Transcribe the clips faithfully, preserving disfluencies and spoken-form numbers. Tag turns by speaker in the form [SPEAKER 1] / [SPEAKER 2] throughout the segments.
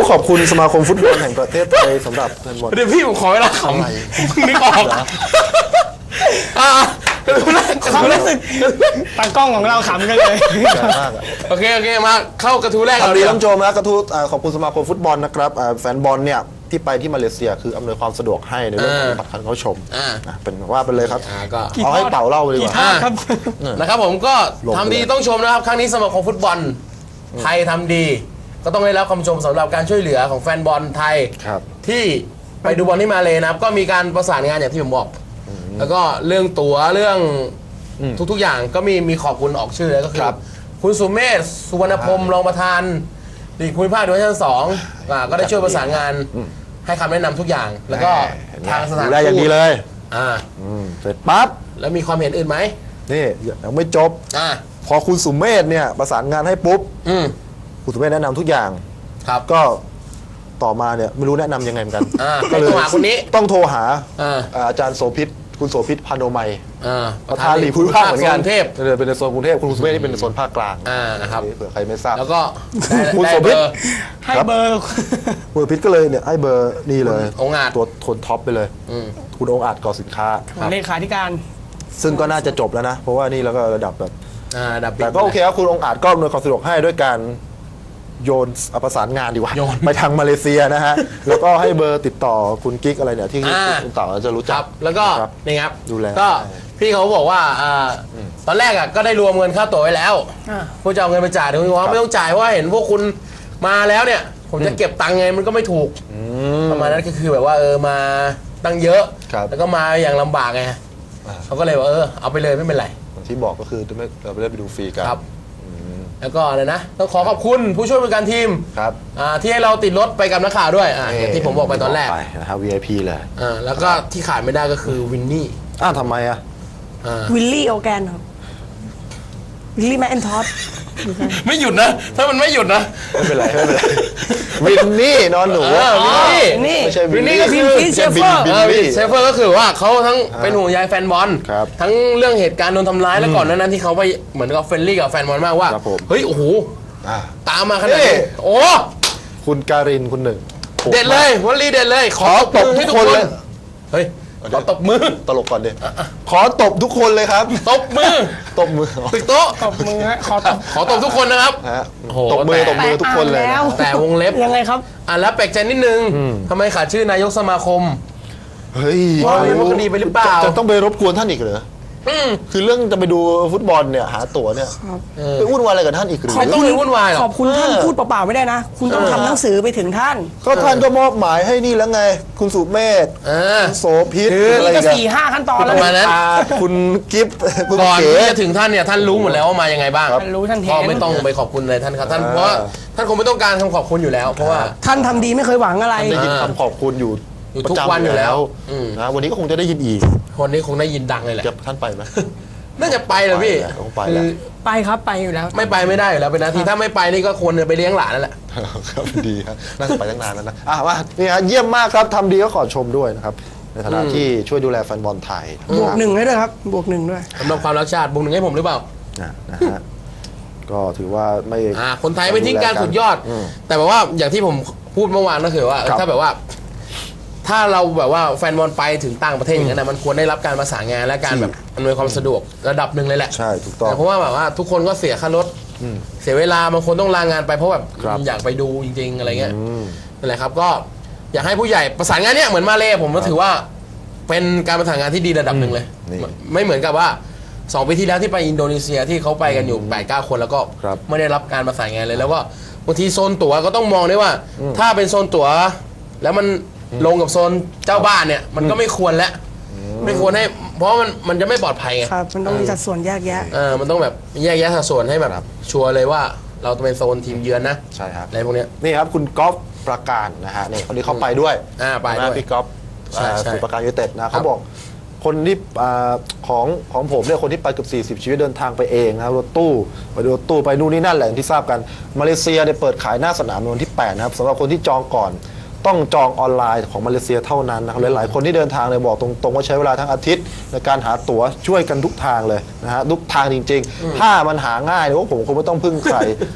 [SPEAKER 1] ขอบคุณสมาคมฟุตบอลแห่งประเทศไทยสำหรับแฟนบอล
[SPEAKER 2] เดี๋ยวพี่ผมขอเวลาขำนึกออกอ่า
[SPEAKER 3] ความรู้สึกตากล้องของเราขำกันเลย
[SPEAKER 1] มาก
[SPEAKER 2] โอเคโอเคมาเข้ากระทู้แรก
[SPEAKER 1] สวั
[SPEAKER 2] เรา
[SPEAKER 1] สดี
[SPEAKER 2] ดี
[SPEAKER 1] ท่านผู้ชมนะกระทู้ขอบคุณสมาคมฟุตบอลนะครับแฟนบอลเนี่ยที่ไปที่มาเลเซียคืออำนวยความสะดวกให้ในเรื่องของบัตรเข้าชมเป็นว่าไปเลยครับ
[SPEAKER 2] ก็
[SPEAKER 1] เอาให้เป่าเล่าเลยดีกว่า
[SPEAKER 2] นะครับผมก็ทำดีต้องชมนะครับครั้งนี้สมาคมฟุตบอลไทยทำดีก็ต้องได้รับคำชมสำหรับการช่วยเหลือของแฟนบอลไทยที่ไปดูบอลที่มาเลยนะครับก็มีการประสานงานอย่างที่ผมบอกแล้วก็เรื่องตั๋วเรื่องทุกๆอย่างก็มีมีขอบคุณออกชื่อเลยก็คือคุณสุเมธสุวรรณพรหมรองประธานลีกภูมิภาคดิวิชั่นสองก็ได้ช่วยประสานงานให้คำแนะนำทุกอย่างแล้วก็ทางสถานทูต
[SPEAKER 1] ได้อย่างดีเลย
[SPEAKER 2] อ่า
[SPEAKER 1] เสร็จปั๊บ
[SPEAKER 2] แล้วมีความเห็นอื่นไหม
[SPEAKER 1] นี่ยังไม่จบ
[SPEAKER 2] อ่า
[SPEAKER 1] พอคุณสุเมธเนี่ยประสานงานให้ปุ๊บคุณสุเมธแนะนำทุกอย่าง
[SPEAKER 2] ครับ
[SPEAKER 1] ก็ต่อมาเนี่ยไม่รู้แนะนำยังไงเหมือนกัน
[SPEAKER 2] ก็เลยคนนี้
[SPEAKER 1] ต้องโทรหาอาจารย์โสภิตคุณโสภิตพานุมัยประธานลีกภูมิภาคเหมือนกันเป็นในโซนกรุงเทพคุณสุเมธนี่เป็นในโซนภาคกลาง
[SPEAKER 2] นะครับ
[SPEAKER 1] เผื่อใครไม่ทราบ
[SPEAKER 2] แล้วก็
[SPEAKER 1] คุณโสภิต
[SPEAKER 3] ให้เบอร์
[SPEAKER 1] คุณโสภิตก็เลยเนี่ยให้เบอร์นี่เลย
[SPEAKER 2] องอาจ
[SPEAKER 1] ตัวคนท็อปไปเลยคุณองอาจก่อสินค้า
[SPEAKER 3] เลขาธิการ
[SPEAKER 1] ซึ่งก็น่าจะจบแล้วนะเพราะว่านี่แล้วก็ระดับแบบแต่ก็โอเคครับคุณองอาจก็อำนวยความสะดวกให้ด้วยการโยนประสานงานดีกว่าไปทางมาเลเซียนะฮะแล้วก็ให้เบอร์ติดต่อคุณกิ๊กอะไรเนี่ยที่คุณเต่าจะรู้จัก
[SPEAKER 2] แล้วก็นี่ครับ
[SPEAKER 1] ดูแล
[SPEAKER 2] ก็พี่เขาบอกว่าตอนแรกอ่ะก็ได้รวมเงินค่าตั๋วไว้แล้วผู้จะเอาเงินไปจ่ายถึงว่าไม่ต้องจ่ายว่าเห็นพวกคุณมาแล้วเนี่ยผมจะเก็บตังค์ไงมันก็ไม่ถูกประมาณนั้นก็คือแบบว่าเออมาตั้งเยอะแล้วก็มาอย่างลำบากไงเขาก็เลยว่าเออเอาไปเลยไม่เป็นไร
[SPEAKER 1] ที่บอกก็คือเราไม่ได้ไปดูฟรีกัน
[SPEAKER 2] แล้วก็อะไรนะต้องขอขอบคุณผู้ช่วยบริการทีม
[SPEAKER 1] ครับ
[SPEAKER 2] ที่ให้เราติดรถไปกับนักข่าวด้วยอย่างที่ผมบอกไปตอนแรก
[SPEAKER 1] นะครับ วี ไอ พี เลย
[SPEAKER 2] แล้วก็ที่ขาดไม่ได้ก็คือวินนี่
[SPEAKER 1] อ้าวทำไมอ่ะ
[SPEAKER 3] วิลลี่โอแกนครับวิลลี่แมคอินทอส
[SPEAKER 2] ไม่หยุดนะถ้ามันไม่หยุดนะ
[SPEAKER 1] ไม่เป็นไรไม่เป็นไรวินนี่นอนหนู
[SPEAKER 2] วินนี่
[SPEAKER 1] ไม่ใช่
[SPEAKER 2] วินนี่ก็คือ
[SPEAKER 3] เชฟเฟอร์
[SPEAKER 2] เชฟเฟอร์ก็คือว่าเขาทั้งเป็นห่วงใยแฟนบอลทั้งเรื่องเหตุการณ์โดนทำร้ายแล้วก่อนนั้นที่เขาไปเหมือนกับเฟรนลี่กับแฟนบอลมากว่าเฮ้ยโอ้โหตามมาขนาดนี้โอ้
[SPEAKER 1] คุณการินคุณหนึ่ง
[SPEAKER 2] เด็ดเลยวลีเด็ดเลยขอตบทุกคนเลยเฮ้ยขอตบมือ
[SPEAKER 1] ตลกก่อนดิขอตบทุกคนเลยครับ
[SPEAKER 2] ตบมือ
[SPEAKER 1] ตบมือ
[SPEAKER 2] ตึกโต๊ะ
[SPEAKER 3] ตบมือฮะขอตบ
[SPEAKER 2] ขอตบทุกคนนะครับ
[SPEAKER 1] ตบมือตบมือทุกคนเลย
[SPEAKER 2] แต่วงเล็บ
[SPEAKER 3] ยังไงครับ
[SPEAKER 2] อ่ะแล้วแปลกใจนิดนึงทำไมขาดชื่อนายกสมาคม
[SPEAKER 1] เฮ้ย
[SPEAKER 2] ว่าเรื่องคดีไปหรือเปล่า
[SPEAKER 1] จะต้องไปรบกวนท่านอีกเหรอคือเรื่องจะไปดูฟุตบอลเนี่ยหาตั๋วเนี่ยไปวุ่นวายอะไรกับท่านอีกหรือ
[SPEAKER 2] ไม่ต้องไปวุ่นวายหรอก
[SPEAKER 3] ขอบคุณท่านพูดเปล่าๆไม่ได้นะคุณต้องทำหนังสือไปถึงท่าน
[SPEAKER 1] ก็ท่านก็มอบหมายให้นี่แล้วไงคุณสุเมธโสภิต
[SPEAKER 3] อะไรกันสี่ห้าขั้นตอนแล้ว
[SPEAKER 2] นั้น
[SPEAKER 1] คุณกิฟต์
[SPEAKER 2] ก่อนที่จะถึงท่านเนี่ยท่านรู้หมดแล้วว่ามายังไงบ้าง
[SPEAKER 3] ท่านรู้ท่านเห็น
[SPEAKER 2] ก็ไม่ต้องไปขอบคุณเลยท่านครับท่านเพราะท่านคงไม่ต้องการคำขอบคุณอยู่แล้วเพราะว่า
[SPEAKER 3] ท่านทำดีไม่เคยหวังอะไร
[SPEAKER 1] ได้ยินคำขอบคุณอยู่
[SPEAKER 2] ทุกวันอยู่แล้ว
[SPEAKER 1] นะวันนี้ก็คงจะได้ยินอีก
[SPEAKER 2] คนนี้คงได้ยินดังเลยแหละ
[SPEAKER 1] ท่านไปไหม
[SPEAKER 2] น่าจะไปเลยพี่
[SPEAKER 3] ไปครับไปอยู่แล้ว
[SPEAKER 2] ไม่ไปไม่ได้อยู่แล้วเป็นนาทีถ้าไม่ไปนี่ก็ควรจะไปเลี้ยงหลานนั่นแหละ
[SPEAKER 1] ครับดีครับน่าจะไปตั้งนานแล้วนะอ่ะว่านี่ฮะเยี่ยมมากครับทำดีก็ขอชมด้วยนะครับในฐานะที่ช่วยดูแลแฟนบอลไทย
[SPEAKER 3] บวกหนึ่งให้ด้วยครับบวกหนึ่งด้วย
[SPEAKER 2] สำหรับความรักชาติบวกหนึ่งให้ผมหรือเปล่า
[SPEAKER 1] นะฮะก็ถือว่าไม่
[SPEAKER 2] คนไทยไม่ทิ้งการสุดยอดแต่แบบว่าอย่างที่ผมพูดเมื่อวานก็คือว่าถ้าแบบว่าถ้าเราแบบว่าแฟนบอลไปถึงต่างประเทศอย่างนั้นนะมันควรได้รับการประสานงานและการแบบอำนวยความสะดวกระดับหนึ่งเลยแหละ
[SPEAKER 1] ใช่ถูกต้อง
[SPEAKER 2] เพราะว่าแบบว่าทุกคนก็เสียค่ารถเสียเวลาบางคนต้องลางานไปเพราะแบบอยากไปดูจริงๆอะไรเงี้ยนั่นแหละครับก็อยากให้ผู้ใหญ่ประสานงานเนี้ยเหมือนมาเลผมก็ถือว่าเป็นการประสานงานที่ดีระดับหนึ่งเลยไม่เหมือนกับว่าสองปีที่แล้วที่ไปอินโดนีเซียที่เขาไปกันอยู่แปดเก้าคนแล้วก็ไม่ได้รับการประสานงานเลยแล้วก็บางทีโซนตั๋วก็ต้องมองด้วยว่าถ้าเป็นโซนตั๋วแล้วมันลงกับโซนเจ้าบ้านเนี่ยมันก็ไม่ควรแล้วไม่ควรให้เพราะมันมันจะไม่ปลอดภัยไง
[SPEAKER 3] ครับมันต้องมีสัดส่วนแยกแยะ
[SPEAKER 2] เออมันต้องแบบแยกแยะสัดส่วนให้แบบชัวร์เลยว่าเราจะเป็นโซนทีมเยือนนะ
[SPEAKER 1] ใช่ครับ
[SPEAKER 2] อะไรพวกนี้
[SPEAKER 1] นี่ครับคุณก๊อฟประการนะฮะนี่คนนี้เขาไปด้วย
[SPEAKER 2] อ่าไปด้วย
[SPEAKER 1] พี่ก๊อฟสุประการยูไนเต็ดนะเขาบอกคนที่ของของผมเนี่ยคนที่ไปเกือบสี่สิบชีวิตเดินทางไปเองนะครับรถตู้ไปดูรถตู้ไปนู่นนี่นั่นแหละที่ทราบกันมาเลเซียเนี่ยเปิดขายหน้าสนามในวันที่แปดนะครับสำหรับคนที่จองก่อนต้องจองออนไลน์ของมาเลเซียเท่านั้นนะครับหลายๆคนที่เดินทางเลยบอกตรงๆว่าใช้เวลาทั้งอาทิตย์ในการหาตั๋วช่วยกันทุกทางเลยนะฮะทุกทางจริงๆถ้ามันหาง่ายเนี่ยผมคงไม่ต้องพึ่งใคร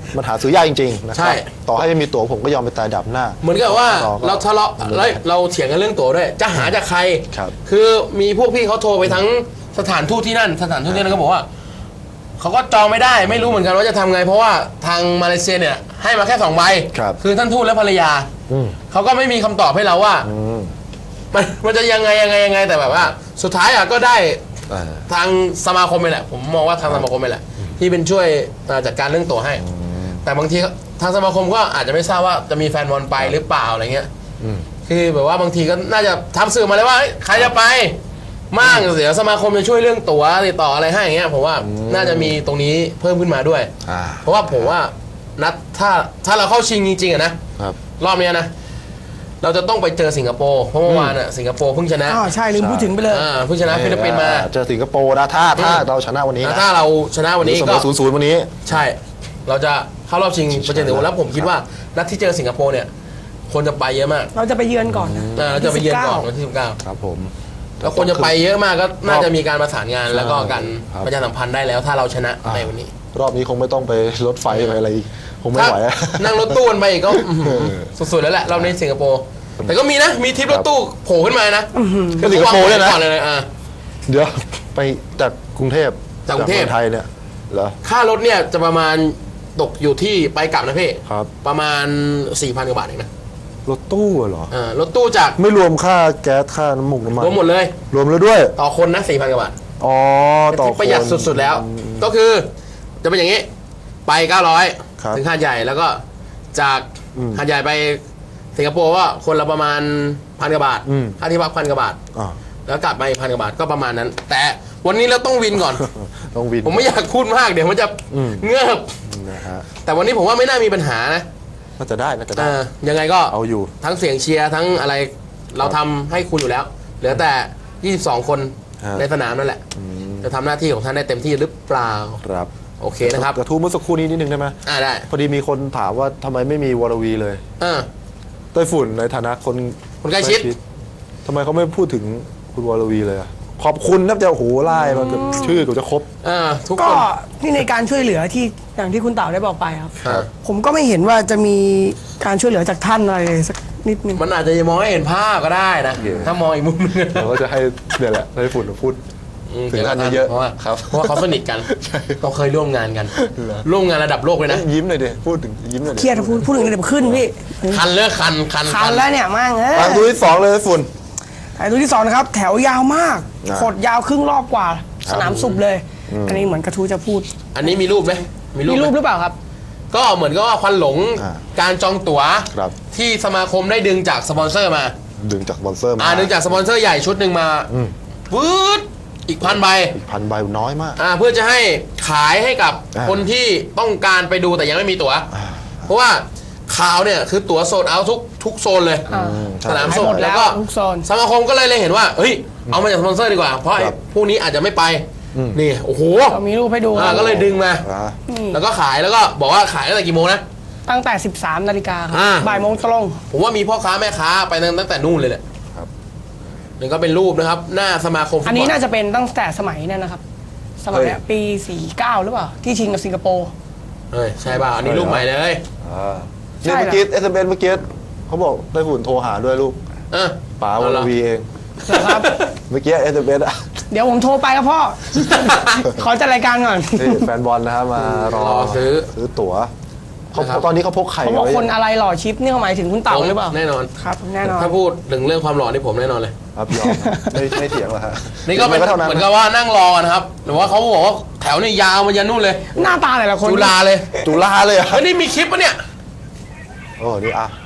[SPEAKER 1] มันหาซื้อยากจริงๆนะค
[SPEAKER 2] ใช่
[SPEAKER 1] รับต่อให้ไม่มีตั๋วผมก็ยอมไปตายดับหน้า
[SPEAKER 2] เหมือนกับว่า
[SPEAKER 1] ต่อก็
[SPEAKER 2] เราทะเลาะแล้วเราเถียงกันเรื่องตั๋วด้วย จะหาจากใคร
[SPEAKER 1] ครับ
[SPEAKER 2] คือมีพวกพี่เขาโทรไปทั้งสถานทูตที่นั่น สถานทูตที่นั่นก็บอกว่าเขาก็จองไม่ได้ไม่รู้เหมือนกันว่าจะทำไง เพราะว่าทางมาเลเซียเนี่ยให้มาแค่สองใบ
[SPEAKER 1] ครับ
[SPEAKER 2] คือท่านทูตและภรรยา
[SPEAKER 1] อืม
[SPEAKER 2] เขาก็ไม่มีคำตอบให้เราว่า
[SPEAKER 1] อืม
[SPEAKER 2] มันมันจะยังไงยังไงยังไงแต่แบบว่า สุดท้ายอ่ะก็ได้
[SPEAKER 1] อ่า
[SPEAKER 2] ทางสมาคมไปแหละ ผมมองว่าทางสมาคมไปแหละ ที่เป็นช่วยเอ่อจัดการเรื่องตั๋วให้ แต่บางทีทางสมาคมก็อาจจะไม่ทราบว่าจะมีแฟนบอลไปหรือเปล่าอะไรเงี้ย
[SPEAKER 1] อืม
[SPEAKER 2] คือแบบว่าบางทีก็น่าจะทำสื่อมาเลยว่าเฮ้ยใครจะไปมั่งเดี๋ยวสมาคมจะช่วยเรื่องตั๋วติดต่ออะไรให้อย่างเงี้ยผมว่าน่าจะมีตรงนี้เพิ่มขึ้นมาด้วย
[SPEAKER 1] อ่า
[SPEAKER 2] เพราะว่าผมว่านัดถ้าถ้าเราเข้าชิงจริงๆอะนะครับ รอบเนี้ยนะ เราจะต้องไปเจอสิงคโปร์เพราะเมื่อวานอะสิงคโปร์เพิ่งชนะ
[SPEAKER 3] อ๋อใช่ลืมพูดถึงไปเลย
[SPEAKER 2] อ่าเพิ่งชนะฟิลิปปินส์มา
[SPEAKER 1] เจอสิงคโปร์นะถ้าถ้าเราชนะวันนี้
[SPEAKER 2] แล้ว
[SPEAKER 1] นะ
[SPEAKER 2] ถ้าเราชนะวันนี้
[SPEAKER 1] เสม
[SPEAKER 2] ก็
[SPEAKER 1] อศูนย์ศูนย์วันนี้
[SPEAKER 2] ใช่ เราจะเข้ารอบชิงไปเจอสิงคโปร์แล้วผมคิดว่านัดที่เจอสิงคโปร์เนี่ยคนจะไปเยอะมาก
[SPEAKER 3] เราจะไปเยือนก่อนนะ
[SPEAKER 2] อ่าเราจะไปเยือนก่อนวันที่สิบเก้า
[SPEAKER 1] ครับผม
[SPEAKER 2] แล้วคนจะไปเยอะมากก็น่าจะมีการประสานงาน
[SPEAKER 1] ใช่
[SPEAKER 2] แล้วก็การ
[SPEAKER 1] ครับ
[SPEAKER 2] ประชาสัมพันธ์ได้แล้วถ้าเราชนะ
[SPEAKER 1] อ่า
[SPEAKER 2] ในวันนี้
[SPEAKER 1] รอบนี้คงไม่ต้องไปรถไฟไปอะไรอีกคงไม่
[SPEAKER 2] ถ้า
[SPEAKER 1] ไหวอะ
[SPEAKER 2] นั่งรถตู้กันไปอีกก็อื้อหือสุดๆแล้วแหละรอบนี้สิงคโปร์แต่ก็มีนะมีทริปรถตู้โผล่ขึ้นมานะ
[SPEAKER 1] ก็สิงคโปร์เนี่ยนะ
[SPEAKER 2] ก่อนเลยนะอ่า
[SPEAKER 1] เดี๋ยวไปจากกรุงเทพ
[SPEAKER 2] จากกรุงเทพ
[SPEAKER 1] มือไทยเนี่ยเหรอ
[SPEAKER 2] ค่ารถเนี่ยจะประมาณตกอยู่ที่ไปกลับนะพี่
[SPEAKER 1] ครับ
[SPEAKER 2] ประมาณ สี่พัน กว่าบาทเองนะ
[SPEAKER 1] รถตู้เหรอ
[SPEAKER 2] อ่ารถตู้จาก
[SPEAKER 1] ไม่รวมค่าแก๊สค่าน้ำมูกน้ำมัน
[SPEAKER 2] รวมหมดเลย
[SPEAKER 1] รวมแล้วด้วย
[SPEAKER 2] ต่อคนนะ สี่พัน กว่าบาท
[SPEAKER 1] อ๋อต่อ
[SPEAKER 2] ที่ประหยัด
[SPEAKER 1] คน
[SPEAKER 2] สุดๆแล้ว
[SPEAKER 1] อืม
[SPEAKER 2] ก็คือจะเป็นอย่างนี้ ไป เก้าร้อย
[SPEAKER 1] ครับ
[SPEAKER 2] ถึงหาดใหญ่แล้วก็จาก
[SPEAKER 1] อืม
[SPEAKER 2] หาดใหญ่ไปสิงคโปร์ว่าคนละประมาณพันกว่าบาท
[SPEAKER 1] อืม
[SPEAKER 2] ค่าที่พักพันกว่าบาท
[SPEAKER 1] อ่า
[SPEAKER 2] แล้วกลับมาอีกพันกว่าบาทก็ประมาณนั้น แต่วันนี้เราต้องวินก่อน
[SPEAKER 1] ต้องวิน
[SPEAKER 2] ผมไม่อยากพูดมากเดี๋ยวมันจะ
[SPEAKER 1] อืม
[SPEAKER 2] เงือบ
[SPEAKER 1] นะฮะ
[SPEAKER 2] แต่วันนี้ผมว่าไม่น่ามีปัญหานะ
[SPEAKER 1] น่าจะได้น่าจะได้
[SPEAKER 2] เออยังไงก็
[SPEAKER 1] เอาอยู่
[SPEAKER 2] ทั้งเสียงเชียร์ทั้งอะไรเราทำให้คุณอยู่แล้ว เหลือแต่ ยี่สิบสอง คน
[SPEAKER 1] ฮะ
[SPEAKER 2] ในสนามนั่นแหละ จะทำหน้าที่ของท่านได้เต็มที่หรือเปล่า
[SPEAKER 1] ครับ
[SPEAKER 2] โอเคนะครับ
[SPEAKER 1] กระทู้เมื่อสักครู่นี้นิดนึงได้ไหม
[SPEAKER 2] อ่าได้
[SPEAKER 1] พอดีมีคนถามว่าทำไมไม่มีวรวีเลย
[SPEAKER 2] เออ
[SPEAKER 1] ไต้ฝุ่นในฐานะคน
[SPEAKER 2] คนใกล้ชิด
[SPEAKER 1] ทำไมเขาไม่พูดถึงคุณวรวีเลยอะขอบคุณนะจะโอ้โหไล่มาเกือบชื่อเกือบจะครบ
[SPEAKER 2] เออทุก
[SPEAKER 3] ก็
[SPEAKER 2] คน
[SPEAKER 3] ที่ในการช่วยเหลือที่อย่างที่คุณเต่าได้บอกไปครับ
[SPEAKER 2] ครับ
[SPEAKER 3] ผมก็ไม่เห็นว่าจะมีการช่วยเหลือจากท่านอะไรเลยสักนิดนึง
[SPEAKER 2] มันอาจจะยังมองไม่เห็นภาพก็ได้นะ
[SPEAKER 1] โอเค
[SPEAKER 2] ถ้ามองอีกมุมนึง
[SPEAKER 1] เราก็จะให้เนี่ยแหละไต้ฝุ่นมาพูด
[SPEAKER 2] อืม
[SPEAKER 1] ถึงท่านเยอะๆ
[SPEAKER 2] เพราะว่า
[SPEAKER 1] ครับ
[SPEAKER 2] เพราะว่าเขาสนิทกัน
[SPEAKER 1] ใช่
[SPEAKER 2] เขาเคยร่วมงานกัน
[SPEAKER 1] เหรอ
[SPEAKER 2] ร่วมงานระดับโลกเลยนะ
[SPEAKER 1] ยิ้มหน่อยดิพูดถึงยิ้มหน่อยดิ
[SPEAKER 3] เครียดพูดพูดถึงเดี๋ยวขึ้นพี่
[SPEAKER 2] คันเลิกคันคัน
[SPEAKER 3] คันแล้วเนี่ยมั่งเออ
[SPEAKER 1] ทางตัวที่สองเลยไต้ฝุ่น
[SPEAKER 3] ไอ้ตัวที่สองนะครับ แถวยาวมาก
[SPEAKER 1] อ่า
[SPEAKER 3] ขดยาวครึ่งรอบกว่า สนามสุบเลย อันนี้เหมือนกระทูจะพูด
[SPEAKER 2] อันนี้มีรูปไหมมีรูป
[SPEAKER 3] มี
[SPEAKER 2] ไหม
[SPEAKER 3] รูปหรือเปล่าครับ
[SPEAKER 2] ก็เหมือนกับว่าควันหลง
[SPEAKER 1] อ่า
[SPEAKER 2] การจองตั๋ว
[SPEAKER 1] ครับ
[SPEAKER 2] ที่สมาคมได้ดึงจากสปอนเซอร์มา
[SPEAKER 1] ดึงจากสปอนเซอร์มา
[SPEAKER 2] อ่าดึงจากสปอนเซอร์ใหญ่ชุดหนึ่งมา
[SPEAKER 1] อืม
[SPEAKER 2] วืดอีกพันใบ
[SPEAKER 1] อีกพันใบน้อยมาก
[SPEAKER 2] อ่าเพื่อจะให้ขายให้กับ
[SPEAKER 1] อ่า
[SPEAKER 2] คนที่ต้องการไปดูแต่ยังไม่มีตั๋ว
[SPEAKER 1] อ่า
[SPEAKER 2] เพราะว่าข่าวเนี่ยคือตั๋วโซลด์เอาท์ทุกทุกโซนเลย
[SPEAKER 3] อ่า
[SPEAKER 1] ใช่
[SPEAKER 2] สนาม
[SPEAKER 3] ขาย
[SPEAKER 2] ส
[SPEAKER 3] หม
[SPEAKER 2] ด
[SPEAKER 3] ด
[SPEAKER 2] แล้
[SPEAKER 3] แล้ว ว
[SPEAKER 2] ก็
[SPEAKER 3] ทุกโซน
[SPEAKER 2] สมาคมก็เลยเลยเห็นว่าเฮ้ยเอามาจากสปอนเซอร์ดีกว่า เพราะไอ้
[SPEAKER 1] ครับ
[SPEAKER 2] พวกนี้อาจจะไม่ไป
[SPEAKER 1] อืม
[SPEAKER 2] นี่โอ้โห
[SPEAKER 3] เรามีรูปให้ดู
[SPEAKER 2] อ่าก็เลยดึงมา
[SPEAKER 1] อ่า
[SPEAKER 3] นี่
[SPEAKER 2] แล้วก็ขายแล้วก็บอกว่าขายตั้งแต่กี่โมงนะ
[SPEAKER 3] ตั้งแต่ สิบสามนาฬิกาครับ
[SPEAKER 2] อ่า
[SPEAKER 3] บ่ายโมงตรง
[SPEAKER 2] ผมว่ามีพ่อค้าแม่ค้าไปตั้งแต่นู่นเลยแหละ
[SPEAKER 1] ครับ
[SPEAKER 2] นี่ก็เป็นรูปนะครับ หน้าสมาคมฟุตบล
[SPEAKER 3] อันนี้น่าจะเป็นตั้งแต่สมัยเนี่ยนะครับ สมัย
[SPEAKER 1] เฮ้ย
[SPEAKER 3] ปี สี่สิบเก้า หรือเปล่า ที่ชิงกับสิงคโปร์
[SPEAKER 2] เอ้ยใช่ป่ะอันนี้รูปใหม่เลย
[SPEAKER 1] อ่า
[SPEAKER 3] ใช่
[SPEAKER 1] เนี่ย
[SPEAKER 3] เหรอ
[SPEAKER 1] เมื่อกี้เอสเอ็มเอเมื่อกี้เขาบอกไต้ฝุ่นโทรหาด้วยลูก
[SPEAKER 2] เออ
[SPEAKER 1] ป๋า
[SPEAKER 2] เอ
[SPEAKER 1] วร
[SPEAKER 2] เหรอ
[SPEAKER 1] วีเอง
[SPEAKER 3] นะครับ
[SPEAKER 1] เมื่อกี้เอสเอ็มเออะ
[SPEAKER 3] เดี๋ยวผมโทรไปครับพ่อ ขอจัดรายการก่อน
[SPEAKER 1] นี่แฟนบอลนะครับมารอ
[SPEAKER 2] รอซื้อ
[SPEAKER 1] ซื้อตั๋วเขา
[SPEAKER 2] นะครับ
[SPEAKER 1] ตอนนี้เขาพกไข่
[SPEAKER 3] เขาบอก
[SPEAKER 1] ไว้
[SPEAKER 3] คนอะไรหล่อชิปนี่เขาหมายถึงคุณเต่าหรือเปล่า
[SPEAKER 2] แน่นอน
[SPEAKER 3] ครับ แน่นอน
[SPEAKER 2] ถ้าพูดถึงเรื่องความหล่อนี่ผมแน่นอนเลย
[SPEAKER 1] ครับยอมไม่ไม่เถียงหรอกฮะ
[SPEAKER 2] นี่ก็เป็น
[SPEAKER 1] เท่านั้น
[SPEAKER 2] เหมือนกับว่านั่งรอนะครับหรือว่าเขาบอกว่าแถวนี่ยาวมายันนู่นเลย
[SPEAKER 3] หน้าตาแต่ละคน
[SPEAKER 2] จุฬาเลย
[SPEAKER 1] จุฬาเลยเหรอ่ะ
[SPEAKER 2] เฮ้ยนี่มีคลิปปะเนี่ย
[SPEAKER 1] โอ้นี่อ่ะ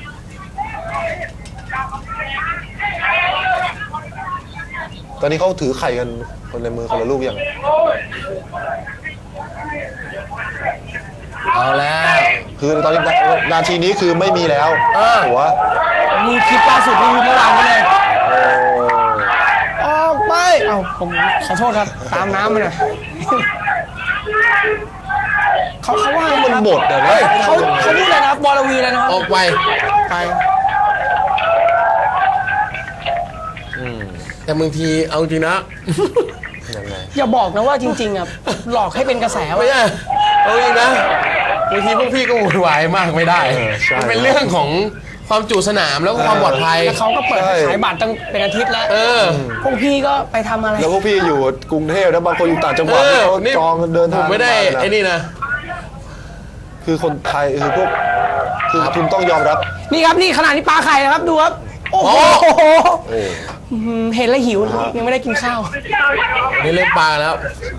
[SPEAKER 1] ตอนนี้เขาถือไข่กันคนในมือคนละลูกอย่าง
[SPEAKER 2] เอาแล้ว
[SPEAKER 1] คือตอนนี้นาทีนี้คือไม่มีแล้ว
[SPEAKER 2] เออ
[SPEAKER 1] หัว
[SPEAKER 3] มีคลิปล่าสุดที่เมื่อวานนี้เลย
[SPEAKER 1] โอ้
[SPEAKER 3] ออกไป เอ้าผมขอโทษครับ ตามน้ำมาหน่อยเขาเขาว่าไง
[SPEAKER 1] มัน
[SPEAKER 3] ครับ
[SPEAKER 1] หมดอ่ะนะ
[SPEAKER 3] เขาเขาพูดอะไรนะครับบอลวีเลยนะครับ
[SPEAKER 2] ออกไป
[SPEAKER 3] ไป
[SPEAKER 1] อืม
[SPEAKER 2] แต่บางทีเอาจริงนะ
[SPEAKER 1] ยังไง
[SPEAKER 3] อย่าบอกนะว่าจริงๆอ่ะหลอกให้เป็นกระแส
[SPEAKER 2] ไม่
[SPEAKER 3] วะ
[SPEAKER 2] ใช่เอาจริงนะบางทีพวกพี่ก็วุ่นวายมากไม่ได้
[SPEAKER 1] เออใช่
[SPEAKER 2] มันเป็นเรื่องของความจุสนามแล้วก็ความปลอดภัย
[SPEAKER 3] แล้วเขาก็เปิด
[SPEAKER 1] ใช่
[SPEAKER 3] ขายบัตรตั้งเป็นอาทิตย์แล้ว
[SPEAKER 2] เออ
[SPEAKER 3] พวกพี่ก็ไปทำอะไร
[SPEAKER 1] แล้วพวกพี่อยู่กรุงเทพแล้วบางคนอยู่ต่างจังหวัด
[SPEAKER 2] เออ
[SPEAKER 1] เขา
[SPEAKER 2] นี่
[SPEAKER 1] จองเดิน
[SPEAKER 2] ผ
[SPEAKER 1] ทาง
[SPEAKER 2] มไม่ได้
[SPEAKER 1] า
[SPEAKER 2] ไอ้นี่นะ
[SPEAKER 1] คือคนไทยคือพวกคือคุณต้องยอมรับ
[SPEAKER 3] นี่ครับนี่ขนาดนี้ปลาไข่นะครับดูครับโอ้โห
[SPEAKER 1] โอ้
[SPEAKER 3] อืมเห็นแล้วหิวนะครับยังไม่ได้กินข้าว
[SPEAKER 2] นี่เล่นปลาแล้ว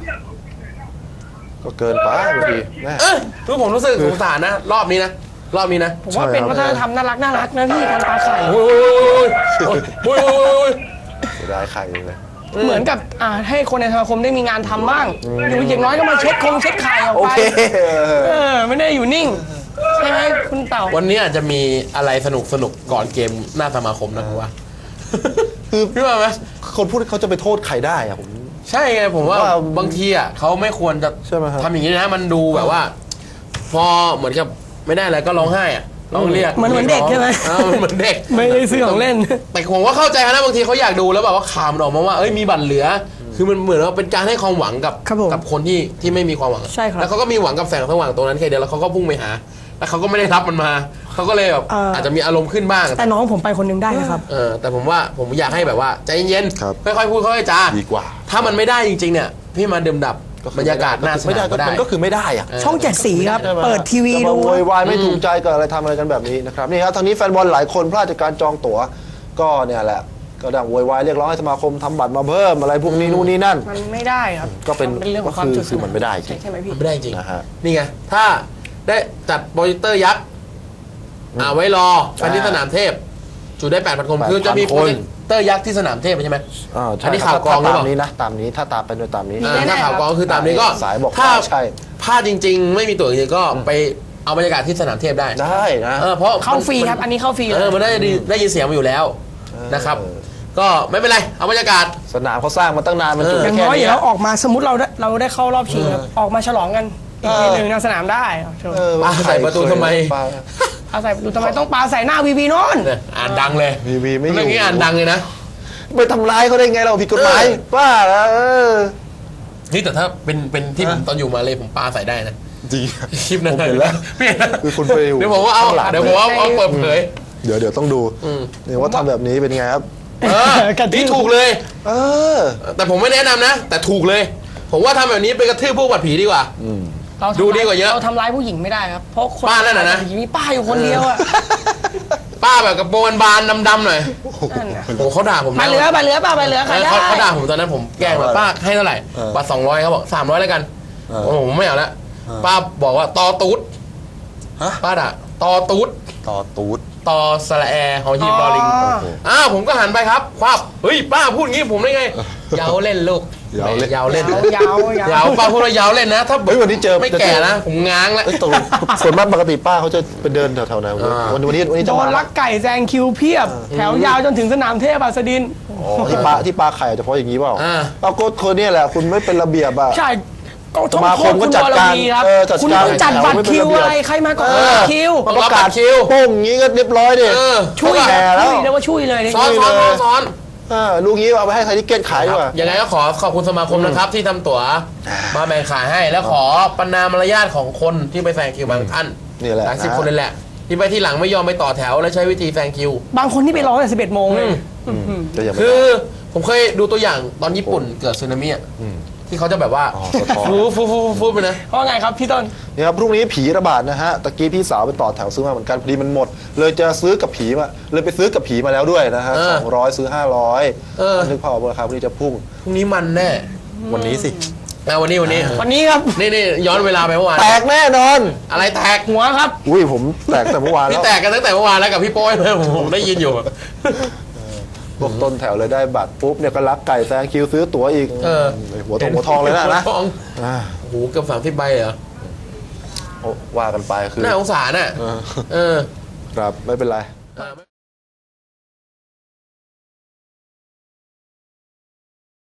[SPEAKER 1] ก็เกินไปบางทีแม่
[SPEAKER 2] เออรู้ผมรู้สึกสงสารนะ รอบนี้นะ รอบนี้นะ
[SPEAKER 3] ผมว่า
[SPEAKER 1] ใช่
[SPEAKER 3] เป็น
[SPEAKER 1] ครับ
[SPEAKER 3] วัฒนธรรมน่ารักน่ารักนะพี่การปลาไข่
[SPEAKER 2] โอ้ยโอ้ยโอ้ยโอ้ยโอ้ย
[SPEAKER 1] เสียดายไข่เลย
[SPEAKER 3] เหมือนกับอ่าให้คนในสมาคมได้มีงานทำบ้างอยู่อย่างน้อยก็มาเช็ดคงเช็ดไข่ออก
[SPEAKER 1] โอ
[SPEAKER 3] ไป
[SPEAKER 1] เค
[SPEAKER 3] เออไม่ได้อยู่นิ่งใช่ไหมคุณเต่า
[SPEAKER 2] วันนี้อาจจะมีอะไรสนุกสนุกก่อนเกมหน้าสมาคมนะผมว่า
[SPEAKER 1] คือ
[SPEAKER 2] พี่ว่าไหม
[SPEAKER 1] คนพูดเขาจะไปโทษใครได้อะผม
[SPEAKER 2] ใช่ไงผมว่า
[SPEAKER 1] ว่า
[SPEAKER 2] บางทีอ่ะเขาไม่ควรจะ
[SPEAKER 1] ใช่ไหมครับ
[SPEAKER 2] ทำอย่างนี้นะมันดูแบบว่า พอเหมือนกับไม่ได้อะไรก็ร้องไห้อ่ะร้องเรียก
[SPEAKER 3] เหมือนเหมือนเด็กใช่ไหม
[SPEAKER 2] เออมันเหมือนเด็ก
[SPEAKER 3] ไม่ได้ซื้อของเล่น
[SPEAKER 2] แต่ผมว่าเข้าใจนะบางทีเขาอยากดูแล้วแบบว่าข่าวมันออกมาว่าเอ้ยมีบัตรเหลือ คือมันเหมือนว่าเป็นการให้ความหวังกับ
[SPEAKER 3] ครับผม
[SPEAKER 2] กับคนที่ที่ไม่มีความหวัง
[SPEAKER 3] ใช่ครับ
[SPEAKER 2] แล้วเขาก็มีหวังกับแสงสว่างตรงนั้นแค่เดียวแล้วเขาก็พุ่งไปหา แล้วเขาก็ไม่ได้รับมันมาเขาก็เลยแบบ
[SPEAKER 3] เอ่ออ
[SPEAKER 2] อาจจะมีอารมณ์ขึ้นบ้าง
[SPEAKER 3] แต่น้องผมไปคนหนึงได้นะครับ
[SPEAKER 2] เออแต่ผมว่าผมอยากให้แบบว่าใจเย็น
[SPEAKER 1] ครับ
[SPEAKER 2] ๆค่อยๆพูดค่อยๆจา
[SPEAKER 1] ดีกว่า
[SPEAKER 2] ถ้ามันไม่ได้จริงๆเนี่ยพี่มาดื่มดับ
[SPEAKER 1] คือบ
[SPEAKER 2] รรยากาศหน้าส
[SPEAKER 1] ไม่
[SPEAKER 2] นา
[SPEAKER 1] ได้
[SPEAKER 2] มก็ได้
[SPEAKER 1] มันก็คือไม่ได้อะ
[SPEAKER 2] เออ
[SPEAKER 3] ช่องเจ็ดสีครับ
[SPEAKER 1] ใช่ไหม
[SPEAKER 3] เปิดทีวี
[SPEAKER 1] จะ
[SPEAKER 3] ดู
[SPEAKER 1] มาโวยวายไม่ถูกใจกับอะไรทำอะไรกันแบบนี้นะครับนี่ครับทางนี้แฟนบอลหลายคนพลาดจากการจองตั๋วก็เนี่ยแหละก็ดังโวยวายเรียกร้องให้สมาคมทำบัตรมาเพิ่มอะไรพวกนี้นู่นนี่นั่น
[SPEAKER 3] มันไม่ได้ครับ
[SPEAKER 1] ก็เป็น
[SPEAKER 3] เรื่องของความ
[SPEAKER 1] ก็คือ
[SPEAKER 3] จุด
[SPEAKER 1] คือมันไม่ได้จริง
[SPEAKER 3] ใช่ใช่ไหมพี่
[SPEAKER 2] ไม่ได้จริง
[SPEAKER 1] นะฮะ
[SPEAKER 2] นี่ไง ถ้าได้จัดโปรเจคเตอร์ยักษ์อ่าไว้รอกันที่สนามเทพ จุได้แปดพันคน
[SPEAKER 1] แปดพัน
[SPEAKER 2] คือจะมี
[SPEAKER 1] คน
[SPEAKER 2] โปรเจคเตอร์ยักษ์ที่สนามเทพใช่ไหม
[SPEAKER 1] อ่า
[SPEAKER 2] อั
[SPEAKER 1] ใช่
[SPEAKER 2] นนี้ข่าวกรองหรือเป
[SPEAKER 1] ตา
[SPEAKER 2] ล่า
[SPEAKER 1] มนี้นะตามนี้ถ้าตามเป็นโดยตามนี้
[SPEAKER 3] มี
[SPEAKER 2] อ่า
[SPEAKER 3] แน่ๆ
[SPEAKER 2] ถ้าข่าวกรองก็คือตามนี้ก็
[SPEAKER 1] สายบอก
[SPEAKER 2] ถ้า
[SPEAKER 1] ว่าใช่
[SPEAKER 2] พลาดจริง ๆ ไม่มีตั๋วจริงๆก็ไปเอาบรรยากาศที่สนามเทพได้
[SPEAKER 1] ได้นะ
[SPEAKER 2] เออเพราะ
[SPEAKER 3] เข้าฟรีครับ อันนี้เข้าฟรี
[SPEAKER 2] เออมันได้ดีได้ยินเสียงมาอยู่แล้วนะครับ ก็ไม่เป็นไรเอาบรรยากาศ
[SPEAKER 1] สนามเขาสร้างมาตั้งนานมันจุ
[SPEAKER 2] เออ
[SPEAKER 3] อย่าง
[SPEAKER 1] แค่
[SPEAKER 3] น้อย
[SPEAKER 1] นี้
[SPEAKER 3] เดี๋ยวเราออกมาสมมติเราได้เราได้เข้ารอบชิงครับออกมาฉลองกันอีกทีหนึ่งในสนามได้ครับโชว์
[SPEAKER 1] เออ
[SPEAKER 2] ปาใส่ประตูทำไม
[SPEAKER 1] ปา
[SPEAKER 3] เอาใส่ประตูทำไมต้องปาใส่หน้าวีวีโน่น
[SPEAKER 2] เนี่ยอ่านดังเลย
[SPEAKER 1] วีวีไม่อยู่
[SPEAKER 2] เรื่องนี้อ่านดังเลยนะ
[SPEAKER 1] ไปทำร้ายเขาได้ไงเราผิดกฎหมาย
[SPEAKER 2] เออ
[SPEAKER 1] บ้าแล้วเออ
[SPEAKER 2] นี่แต่ถ้าเป็นเป็นที่ผมตอนอยู่มาเลยผมปาใส่ได้นะ
[SPEAKER 1] จริง
[SPEAKER 2] คลิปนั้น
[SPEAKER 1] ผมเห็นแล้ว
[SPEAKER 2] ไม่เห็นแล้ว
[SPEAKER 1] คือคุณไปอยู่
[SPEAKER 2] เดี๋ยวผมว่าเอา
[SPEAKER 1] ข้างหลัง
[SPEAKER 2] เดี๋ยวผมว่าเอาเปิดเผย
[SPEAKER 1] เดี๋ยวเดี๋ยวต้องดู
[SPEAKER 2] อืม
[SPEAKER 1] เนี่ยว่าทำแบบนี้เป็นไงครับ
[SPEAKER 2] เออ
[SPEAKER 3] กระทืบ
[SPEAKER 2] นี่ถูกเลย
[SPEAKER 1] เออ
[SPEAKER 2] แต่ผมไม่แนะนำนะ แต่ถูกเลย ผมว่าทำแบบนี้ไปกระทืบพวกบัดผีดีกว่า
[SPEAKER 3] เราทำ
[SPEAKER 2] ดูดีกว่าเยอะ
[SPEAKER 3] เราทำร้ายผู้หญิงไม่ได้ครับ เพราะคน
[SPEAKER 2] ป้านั่นน่ะนะ
[SPEAKER 3] มีป้าอยู่คนเดียวอะ
[SPEAKER 2] ป้าแบบกระโปรงบานๆดำๆหน่อย
[SPEAKER 3] นั่นน่ะ
[SPEAKER 2] โอ้เขาด่าผม
[SPEAKER 3] ไป
[SPEAKER 2] นะ
[SPEAKER 3] เหลือไปเหลือป้าไปเหลือใครได้
[SPEAKER 2] เขาเขาด่าผมตอนนั้นผมแกล้งว่าป้าให้เท่าไหร่
[SPEAKER 1] เออ
[SPEAKER 2] บัตรสองร้อยเขาบอกสามร้อยแล้วกัน
[SPEAKER 1] เออ
[SPEAKER 2] โอ้โหผมไม่เอาละ
[SPEAKER 1] เออ
[SPEAKER 2] ป้าบอกว่าตอตูด
[SPEAKER 1] ฮะ
[SPEAKER 2] ป้าด่าตอตูด
[SPEAKER 1] ต่อตูด
[SPEAKER 2] ตอสระแอหอหีบดอลิง
[SPEAKER 3] อ๋อ
[SPEAKER 2] อ้าวผมก็หันไปครับควับเฮ้ยป้าพูดงี้ผมได้ไงยาวเล่นลูก
[SPEAKER 1] ยาวเล่น
[SPEAKER 2] ยาวเล่น
[SPEAKER 3] ยาวยาวย
[SPEAKER 2] าวป้าพูดว่ายาวเล่นนะ ถ้า
[SPEAKER 1] เฮ้ยวันนี้เจอ
[SPEAKER 2] ไม่
[SPEAKER 1] จะเจอ
[SPEAKER 2] แก่นะผมง้างแล้ว
[SPEAKER 1] เอ้ยตกลงส่วนมากปกติป้าเขาจะไปเดินแถวๆไหนวันนี้
[SPEAKER 2] อ่า
[SPEAKER 1] วันนี้วันนี้วันนี้
[SPEAKER 3] โด
[SPEAKER 1] จะมาน
[SPEAKER 3] ลักไก่แซงคิวเพียบ แถวยาวจนถึงสนามเทพอัสดิน
[SPEAKER 1] อ๋อที่ปลาที่ปลาไข่อาจจะเพราะอย่างนี้เปล่า
[SPEAKER 2] อ่า
[SPEAKER 1] ปรากฏคนเนี่ยแหละคุณไม่เป็นระเบียบอ่ะ
[SPEAKER 3] ใช่ก็
[SPEAKER 1] สมาคมก็
[SPEAKER 3] ณ
[SPEAKER 1] จัด
[SPEAKER 3] วร
[SPEAKER 1] การ
[SPEAKER 3] วีครับ
[SPEAKER 1] เออจัด
[SPEAKER 3] คุณ
[SPEAKER 1] การ
[SPEAKER 3] ต้องจัดบัตรคิวอะไรใครมาก่อน
[SPEAKER 1] เออ
[SPEAKER 3] คิว
[SPEAKER 2] ต้องรับบัตรคิว
[SPEAKER 1] โป้งอย่างนี้ก็เรียบร้อยดิ
[SPEAKER 2] เออ
[SPEAKER 3] ช่วย
[SPEAKER 1] แก่แล้ว
[SPEAKER 3] ช่วยเรียกว่าช่วยเลยนี่
[SPEAKER 2] ซ้อนซ้อนซ้อนซ้อน
[SPEAKER 1] เออลูกนี้เอาไปให้ไทยทิเก็ตขายดีกว่า
[SPEAKER 2] ยังไงก็ขอขอบคุณสมาคมนะครับ ที่ทำตั๋วมาแบ่งขายให้ แล้วขอประนามมารยาทของคนที่ไปแซงคิวบางท่าน
[SPEAKER 1] นี่แหละ
[SPEAKER 2] หลายสิบ
[SPEAKER 1] นะ
[SPEAKER 2] คนเลยแหละ ที่ไปที่หลังไม่ยอมไปต่อแถว และใช้วิธีแซงคิว
[SPEAKER 3] บางคนที่ไปรอตั้งแต่สิบเอ็ดโมงเลย
[SPEAKER 2] อืม
[SPEAKER 1] ก็ยังไม่
[SPEAKER 2] คื
[SPEAKER 1] ได้
[SPEAKER 2] อผมเคยดูตัวอย่างตอนญี่ปุ่นเกิดสึนามิอะ
[SPEAKER 1] ม
[SPEAKER 2] ที่เขาจะแบบว่า
[SPEAKER 1] อ๋อสะท้อน
[SPEAKER 2] ฟูฟูฟูฟูไปนะ
[SPEAKER 3] เพราะไงครับพี่ต้น
[SPEAKER 1] นี่ครับพรุ่งนี้ผีระบาดนะฮะตะกี้พี่สาวไปต่อแถวซื้อมาเหมือนกันพอดีมันหมด เลยจะซื้อกับผีมาเลยไปซื้อกับผีมาแล้วด้วยนะฮะ
[SPEAKER 2] เออ
[SPEAKER 1] สองร้อยซื้อห้าร้อย
[SPEAKER 2] เออ
[SPEAKER 1] นึกภาพออกราคาพรุ่งนี้จะพุ่ง
[SPEAKER 2] พรุ่งนี้มันแน่
[SPEAKER 1] วันนี้สิ
[SPEAKER 2] อ่ะวันนี้วันนี้
[SPEAKER 3] วันนี้ครับ
[SPEAKER 2] นี่นี่ย้อนเวลาไปเมื่อวาน
[SPEAKER 1] แตกแน่นอน
[SPEAKER 2] อะไรแตก
[SPEAKER 3] หัวครับ
[SPEAKER 1] อุ้ยผมแตกแต่เมื่อวาน
[SPEAKER 2] นี่
[SPEAKER 1] แล้ว
[SPEAKER 2] แตกกันตั้งแต่เมื่อวานแล้วกับพี่โป้ยเลยผมผมได้ยินอยู่
[SPEAKER 1] พวกต้นแถวเลยได้บัตรปุ๊บเนี่ยก็รักไก่แซงคิวซื้อตั๋วอีก
[SPEAKER 2] เออ
[SPEAKER 1] หัวทองหัวทองเลยนะนะ
[SPEAKER 2] หัวทอง
[SPEAKER 1] อ่า
[SPEAKER 2] โอ้โหเกือบสามสิบใบเหรอ
[SPEAKER 1] โอ้ว่ากันไปคือ
[SPEAKER 2] น่าสงสารน่ะ
[SPEAKER 1] เออ
[SPEAKER 2] เออ
[SPEAKER 1] ครับไม่เป็นไร
[SPEAKER 2] เออ